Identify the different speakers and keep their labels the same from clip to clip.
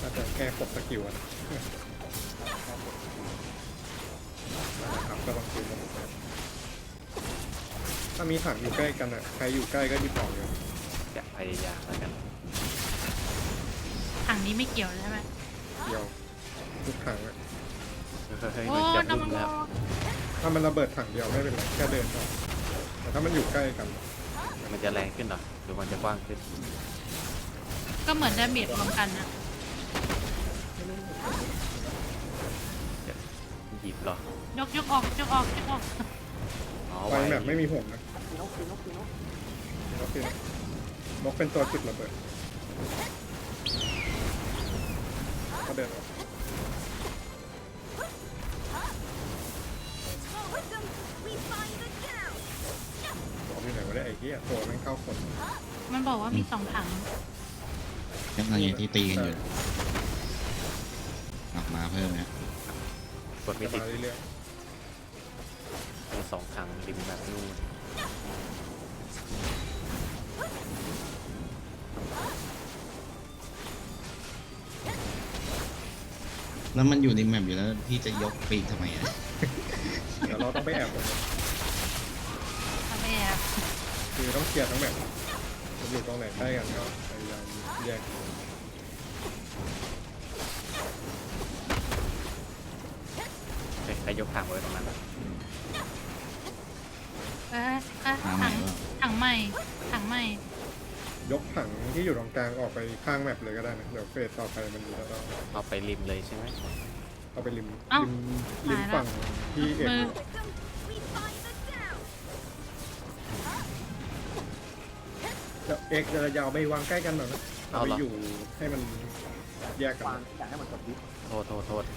Speaker 1: น่าจะแค่ครบสกิลนะนะครับก็ต้องซื้อมาหมดเลยถ้ามีถังอยู่ใกล้กันอ่ะใครอยู่ใกล้ก็หยิบออกเลย
Speaker 2: จะพยายามแล้วกัน
Speaker 3: ถังนี้ไม่เกี่ยวใช่ไหม
Speaker 1: เดียวทุกถังอะ
Speaker 2: เฮ้ย
Speaker 3: โอ้
Speaker 2: มันจะ
Speaker 3: น้ำ
Speaker 2: บุ้
Speaker 3: มัน
Speaker 2: มแล้ว
Speaker 1: ถ้ามันระเบิดถังเดียวไม่เป็นไรแค่เดินออกแต่ถ้ามันอยู่ใกล้กัน
Speaker 2: มันจะแรงขึ้นเหรอหรือมันจะกว้างขึ้น
Speaker 3: ก็เหมือนดาเมจรวมกันนะ
Speaker 2: หยิบเหรอย
Speaker 3: กออกยกออกยกออก
Speaker 2: อ๋อ
Speaker 1: ไฟแบบไม่มีห่วงนะ
Speaker 4: นก
Speaker 1: นกคือนกเป็นตัวจุดระเบิดก็เดินออกบอกที่ไหนว่าได้ไอ้เหี้ยตัวแม่งเข้าคน
Speaker 3: มันบอกว่ามี2 ถัง
Speaker 5: ยังไงที่ตีกันอยู่ออกมาเพิ่มนะ
Speaker 2: กดไม่
Speaker 1: จะ
Speaker 2: ติด
Speaker 1: มาเรื่อย
Speaker 2: มี2 ถังริมแบบนู่น
Speaker 5: แล้วมันอยู่ในแมปอยู่แล้วพี่จะยกปีกทำไมอ่ะ
Speaker 1: ๆเดี๋ยวเราต้องไปแอบก่อน
Speaker 3: ทำไมแอบ
Speaker 1: คือต้องเคลียร์ทั้งแบบมันอยู่ตรงไหนใกล้กันก็พยายามแยก
Speaker 2: เฮ้ยใครยกถังไว้ตรงนั้นอะ
Speaker 3: ถังถังใหม่ถังใหม่
Speaker 1: ยกถังที่อยู่ตรงกลางออกไปข้างแมปเลยก็ได้นะเดี๋ยวเฟสต่อไปมันจะต้อง
Speaker 2: เอาไปริมเลยใช่ไหม
Speaker 1: เอาไปริม
Speaker 3: เอ้า
Speaker 1: ริมฝั่งที่เอ็ด
Speaker 3: มือ
Speaker 1: เดี๋ยวเอ็กจะยาวไปวางใกล้กันหน่อยนะเอาไปอยู่ให้มันแยกกัน
Speaker 4: วางอยากให้มันกดดิฟ
Speaker 2: โทษ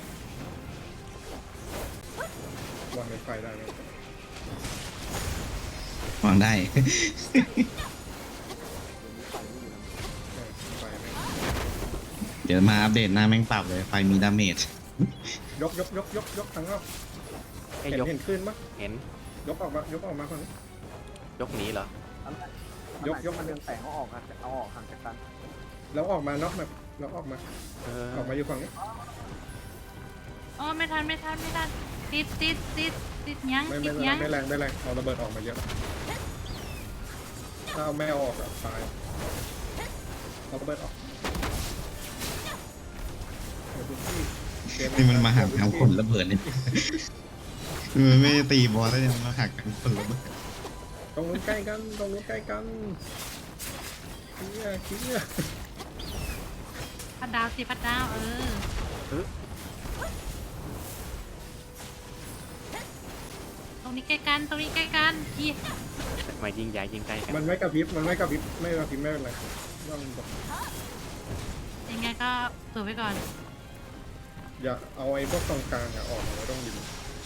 Speaker 1: วางในไฟได้ไหม
Speaker 5: วางได้
Speaker 1: ไฟไหม
Speaker 5: เดี๋ยวมาอัปเดตหน้าแม่งปรับเลยไฟมีดาเมจ
Speaker 1: ยกทั้งรอบ
Speaker 2: ให้
Speaker 1: เห็น
Speaker 2: ยก
Speaker 1: เห็นขึ้นปะ
Speaker 2: เห็น
Speaker 1: ยกออกมาฝั่งนี้
Speaker 2: ยกหนีเหรอ
Speaker 1: ยก
Speaker 4: มันเรืองแสงเอาออกกันเอาออกห่างจากกัน
Speaker 1: แล้วออกมานอกแบบแล้วออกมา
Speaker 2: เออ
Speaker 1: ออกมาอยู่ฝั่งนี้
Speaker 3: อ๋อไม่ทันติดยัง
Speaker 1: ไม่
Speaker 3: ติดยัง
Speaker 1: แรงเอาระเบิดออกมาเยอะถ้าเอาไม่เอาออกอะตายเอาระเบิดออก
Speaker 5: นี่มันมาหักทางผลระเบิดเนี่ยมันไม่ได้ตีบอลแล้วยังมาหักทางผลระเบิด
Speaker 1: ตรงนู้นใกล้กันเคี้ย
Speaker 3: พัดดาวสิพัดดาวตรงนี้ใกล้กันยี่
Speaker 2: มายิงใหญ่ยิงไกลกัน
Speaker 1: มันไม่กระพริบไม่เป็นไรต้องแบบ
Speaker 3: ยังไงก็ถือไว้ก่อน
Speaker 1: อย่าเอาไอ้พวกตรงกลางอะออกมาไว้ต้องดิน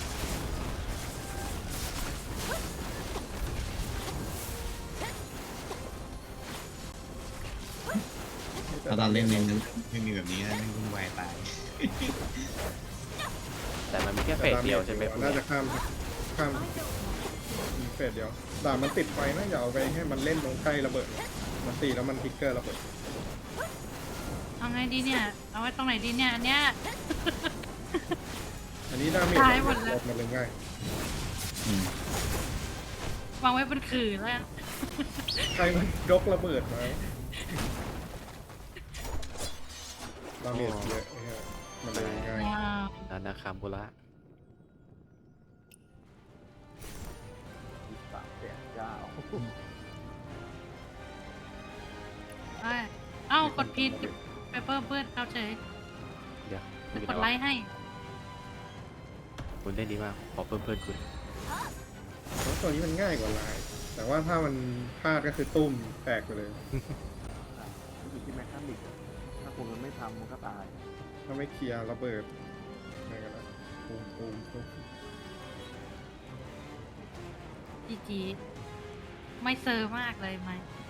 Speaker 5: ถ้าตอนเล่นเนี่ยไม่มีแบบนี้นะไม่วุ่นวายตาย
Speaker 2: แต่มันมีแค่เฟสเดียวใช่ไหมพวก
Speaker 1: น่า
Speaker 2: เนี้
Speaker 1: จะ
Speaker 2: ย
Speaker 1: ข้ามเฟสเดียวแต่มันติดไฟนะอย่าเอาไปให้มันเล่นตรงใกล้ระเบิดมันตีแล้วมันทิกเกอร์ระเบิด
Speaker 3: เอาไงดีเนี่ยเอาไว้ตรงไหนดีเนี่ยอันเนี้ย
Speaker 1: อันนี้ดาเมจ
Speaker 3: ตายหมดเลย
Speaker 1: ลดมันเลยง่าย
Speaker 5: อืม
Speaker 3: วางไว้บนขื่อแล้วกัน
Speaker 1: ใครมันยกระเบิดมาดาเมจเยอะเนี่ยมันเลยง่าย
Speaker 3: ว้าว
Speaker 2: นานาคามบุระ
Speaker 4: 3 8 9
Speaker 3: เอ้ากดผิดไปเพิ่มเพื่อนเขาเฉย
Speaker 2: เดี๋ยว
Speaker 3: กดไลค์ให้
Speaker 2: คุณเล่นดีมากขอเพิ่มคุณ
Speaker 1: เพราะตัวนี้มันง่ายกว่าลาย แต่ว่าถ้ามันพลาดก็คือตุ้มแตกไปเลย
Speaker 4: อยู่ที่แมคคานิกถ้าคุณมันไม่ทำมันก็ตาย
Speaker 1: ถ้าไม่เคลียร์ระเบิดอะไรกันนะตูม
Speaker 3: จีไม่เซอร์มากเลยไหม